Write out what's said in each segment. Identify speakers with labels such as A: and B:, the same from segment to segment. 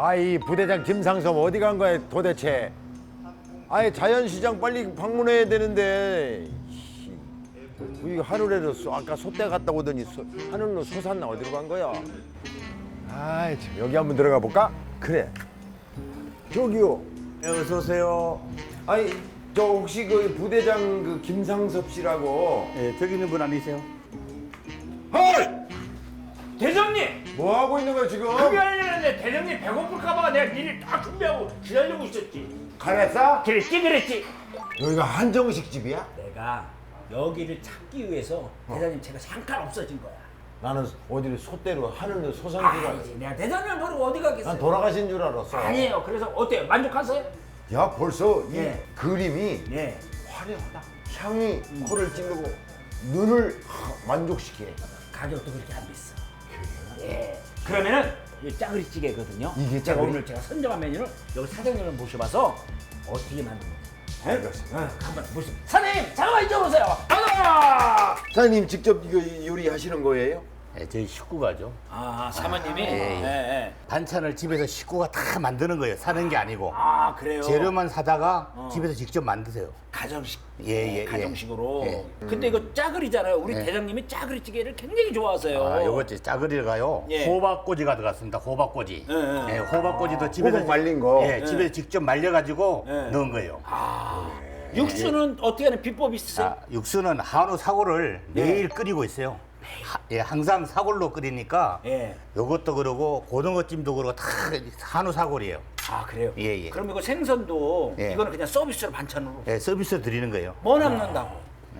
A: 아이 부대장 김상섭 어디 간 거야 도대체? 아이 자연시장 빨리 방문해야 되는데 이거 하늘에도 아까 소떼 갔다 오더니 하늘로 솟았나 어디로 간 거야? 아이 참, 여기 한번 들어가 볼까? 그래. 저기요.
B: 네, 어서 오세요.
A: 아니 저 혹시 그 부대장 그 김상섭 씨라고?
B: 예, 저기 있는 분 아니세요?
A: 헐!
C: 대장님!
A: 뭐 하고 있는 거야 지금?
C: 그게 아니라는데 대장님 배고플까봐 내가 미리 딱 준비하고 기다리고 있었지.
A: 가랬어?
C: 그랬지.
A: 여기가 한정식 집이야?
C: 내가 여기를 찾기 위해서 대장님 제가 잠깐 없어진 거야.
A: 나는 어디를 소떼로 하늘로 솟은 줄 알았어.
C: 아니지, 내가 대장님 모르고 어디 가겠어요?
A: 난 돌아가신 줄 알았어.
C: 아니에요. 그래서 어때요? 만족하세요?
A: 야 벌써 이
C: 예.
A: 그림이
C: 네.
A: 화려하다. 향이 코를 찌르고 눈을 만족시키네.
C: 가격도 그렇게 안 비싸. 예. 그러면은 이 짜그리찌개거든요.
A: 이게
C: 제가
A: 짜그리?
C: 오늘 제가 선정한 메뉴를 여기 사장님을 모셔봐서 어떻게 만드는지.
A: 알겠습니다.
C: 한번 보시죠. 사장님, 잠깐만 이쪽으로 오세요. 가자!
A: 사장님 직접 이거 요리하시는 거예요?
B: 예, 저희 식구가죠.
C: 아, 사모님이?
B: 예. 반찬을 집에서 식구가 다 만드는 거예요. 사는 게 아니고.
C: 아, 그래요?
B: 재료만 사다가 집에서 직접 만드세요.
C: 가정식.
B: 예.
C: 가정식으로.
B: 예.
C: 근데 이거 짜글이잖아요. 우리 대장님이 짜글이찌개를 굉장히 좋아하세요.
B: 아, 요거 짜글이가요.
C: 예.
B: 호박꼬지가 들어갔습니다. 호박꼬지.
C: 예.
B: 호박꼬지도 집에서
A: 호박 말린 거.
B: 예, 집에서 직접 말려가지고
C: 예.
B: 넣은 거예요.
C: 육수는 어떻게 하는 비법이 있으세요?
B: 자, 육수는 한우 사골을 매일 끓이고 있어요. 항상 사골로 끓이니까
C: 예.
B: 요것도 그러고 고등어찜도 그러고 다 한우 사골이에요.
C: 아, 그래요?
B: 예.
C: 그럼 이거 생선도
B: 예.
C: 이거는 그냥 서비스로 반찬으로
B: 예, 서비스 드리는 거예요.
C: 뭐 남는다고?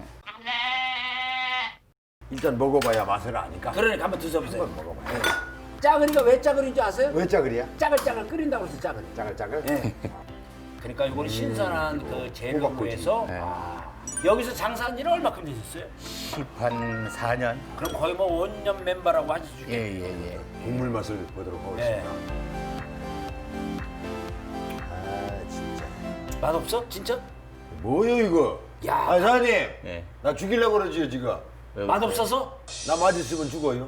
A: 일단 먹어봐야 맛을 아니까.
C: 그러니까 한번 드셔보세요.
A: 한번 먹어봐요.
C: 짜글이가 왜 짜글인지 아세요?
A: 왜 짜글이야?
C: 짜글짜글 끓인다고 해서 짜글.
A: 짜글짜글?
C: 예. 그러니까 이거는 신선한 그 재료로
A: 호박꼬지.
C: 해서
B: 예.
C: 여기서 장사한 지는 얼마큼 되셨어요?
B: 10한 4년.
C: 그럼 거의 뭐 원년 멤버라고 하시죠?
B: 예.
A: 국물 맛을 보도록 하겠습니다.
C: 예.
A: 아 진짜.
C: 맛없어? 진짜?
A: 뭐요 이거?
C: 야.
A: 아 사장님.
B: 예.
A: 나 죽이려고 그러지요 지금.
C: 맛없어서?
A: 나 맛있으면 죽어요.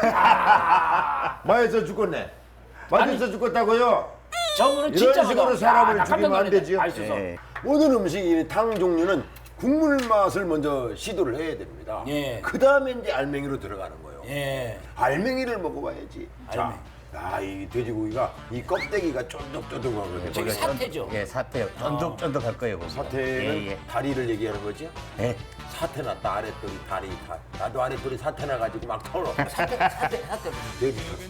A: 맛있어 죽겠네. 맛있어 죽겠다고요?
C: 저분은
A: 이런
C: 진짜
A: 식으로
C: 맛없어.
A: 사람을
C: 나 깜짝
A: 죽이면 안
C: 놀랐네.
A: 되지요.
C: 맛있어서.
B: 예.
A: 모든 음식 탕 종류는 국물 맛을 먼저 시도를 해야 됩니다.
C: 예.
A: 그 다음에 이제 알맹이로 들어가는 거예요.
C: 예.
A: 알맹이를 먹어봐야지.
C: 알맹이.
A: 자, 이 돼지고기가 이 껍데기가 쫀득쫀득하거든요.
C: 저기 사태죠?
B: 예, 사태. 쫀득쫀득할 거예요. 보세요.
A: 사태는
B: 예.
A: 다리를 얘기하는 거지?
B: 예.
A: 사태 났다 아랫돌이 다리 다. 나도 아랫돌이 사태 나가지고 막 털어.
C: 사태.
A: 돼지 털.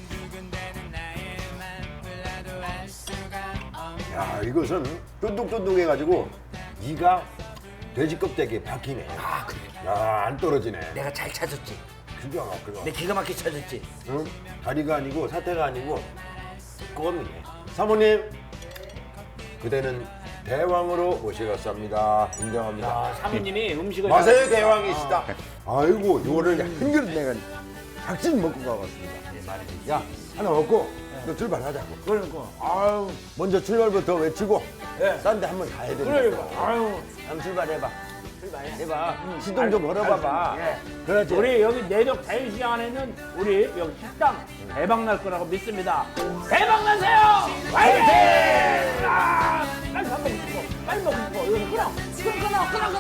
A: 야 이것은 쫀득쫀득해가지고 이가 돼지 껍데기에 박히네.
C: 아, 그래.
A: 야안 떨어지네.
C: 내가 잘 찾았지.
A: 기가 막히다.
C: 내 기가 막히게 찾았지.
A: 응? 다리가 아니고 사태가 아니고 껌이네. 사모님 그대는 대왕으로 모시겠습니다. 인정합니다.
C: 아, 사모님이 음식을
A: 마세의
C: 잘하시니까.
A: 대왕이시다. 아이고 이거를 한 그릇 내가 작진 먹고 가봤습니다. 야 하나 먹고 또 출발하자고.
C: 그러니까.
A: 아유 먼저 출발부터 외치고
C: 예.
A: 딴 데 한번 가야 되니까.
C: 그러니까. 아유.
A: 한번 출발해봐. 출발해봐. 시동 좀 걸어봐봐.
C: 예.
A: 그렇지.
C: 우리 여기 내적 자유시장 안에는 우리 여기 식당 대박 날 거라고 믿습니다. 대박 나세요! 화이팅! 아, 빨리 밥 먹고 싶어. 빨리 먹고 싶어. 이거 끊어. 끊어.